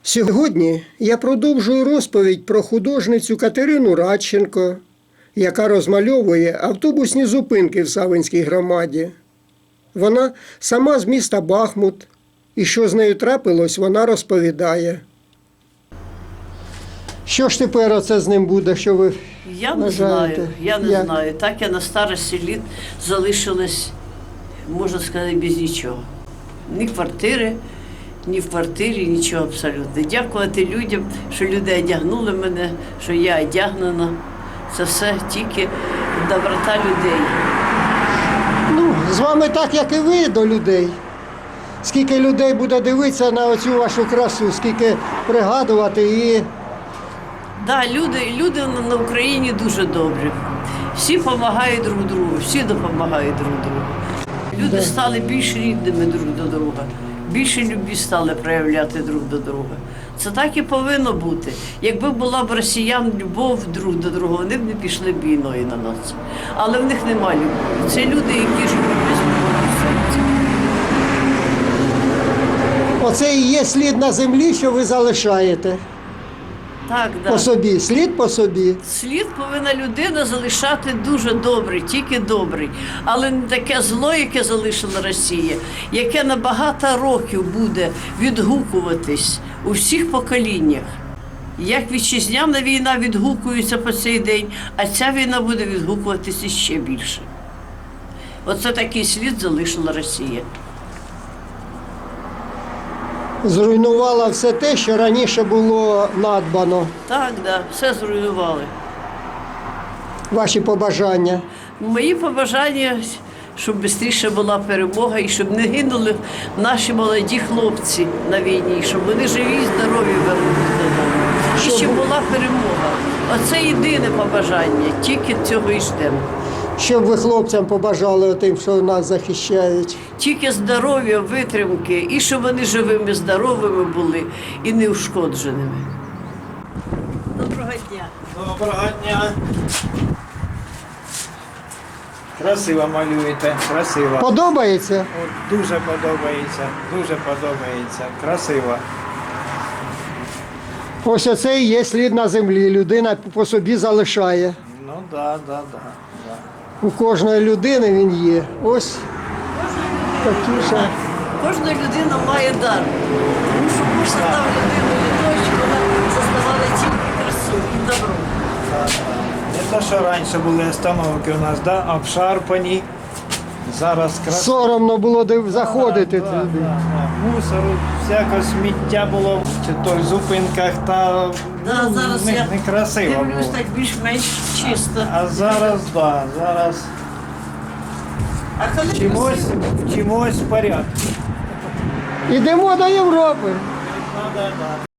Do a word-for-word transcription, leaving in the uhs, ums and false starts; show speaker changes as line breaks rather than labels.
Сьогодні я продовжую розповідь про художницю Катерину Радченко, яка розмальовує автобусні зупинки в Савинській громаді. Вона сама з міста Бахмут, і що з нею трапилось, вона розповідає. Що ж тепер оце з ним буде, що ви
Я не
вважаєте?
знаю, я не
Як?
знаю. Так я на старості літ залишилась, можна сказати, без нічого. Ні квартири, ні в квартирі, нічого абсолютно. Дякувати людям, що люди одягнули мене, що я одягнена. Це все тільки доброта людей.
Ну, з вами так, як і ви до людей. Скільки людей буде дивитися на оцю вашу красу, скільки пригадувати і...
Да, люди, люди на- на Україні дуже добрі. Всі допомагають друг другу, всі допомагають друг другу. Люди
Да.
стали більш рідними друг до друга, більше любві стали проявляти друг до друга. Це так і повинно бути. Якби була б росіян любов друг до друга, вони б не пішли б війною на нас. Але в них немає любові. Це люди, які живуть без любові в серці.
Оце і є слід на землі, що ви залишаєте
Так,
по
да.
собі. Слід по собі.
Слід повинна людина залишати дуже добрий, тільки добрий. Але не таке зло, яке залишила Росія, яке на багато років буде відгукуватись у всіх поколіннях. Як вітчизняна війна відгукується по цей день, а ця війна буде відгукуватися ще більше. Оце такий слід залишила Росія.
Зруйнувала все те, що раніше було надбано.
Так, да, все зруйнували.
Ваші побажання.
Мої побажання, щоб швидше була перемога і щоб не гинули наші молоді хлопці на війні, щоб вони живі і здорові вернулися додому. І
Щоб-
щоб була перемога. Оце єдине побажання, тільки цього і ждемо.
Що б ви хлопцям побажали тим, що нас захищають?
Тільки здоров'я, витримки, і щоб вони живими, здоровими були і неушкодженими. Доброго дня.
Доброго дня. Красиво малюєте, красиво.
Подобається?
От, дуже подобається, дуже подобається. Красиво.
Ось оце і є слід на землі. Людина по собі залишає.
Ну да, да, да, да.
У кожної людини він є. Ось такі ще.
Кожна людина має дар. Тому що Бог создав людину для того, щоб вона зазнавала тільки красу і добро.
Не те, що раніше були остановки у нас, да, обшарпані. Зараз красиво.
Соромно було див- заходити
Да,
туди.
да, да. Мусору, всяке сміття було чи то в зупинках, та
Да,
ну,
зараз
не,
я
некрасиво
дивлюсь
було.
так більш-менш чисто.
А зараз, да, зараз
А коли
чимось, чимось в порядку.
Ідемо до Європи.
Ну, да, да.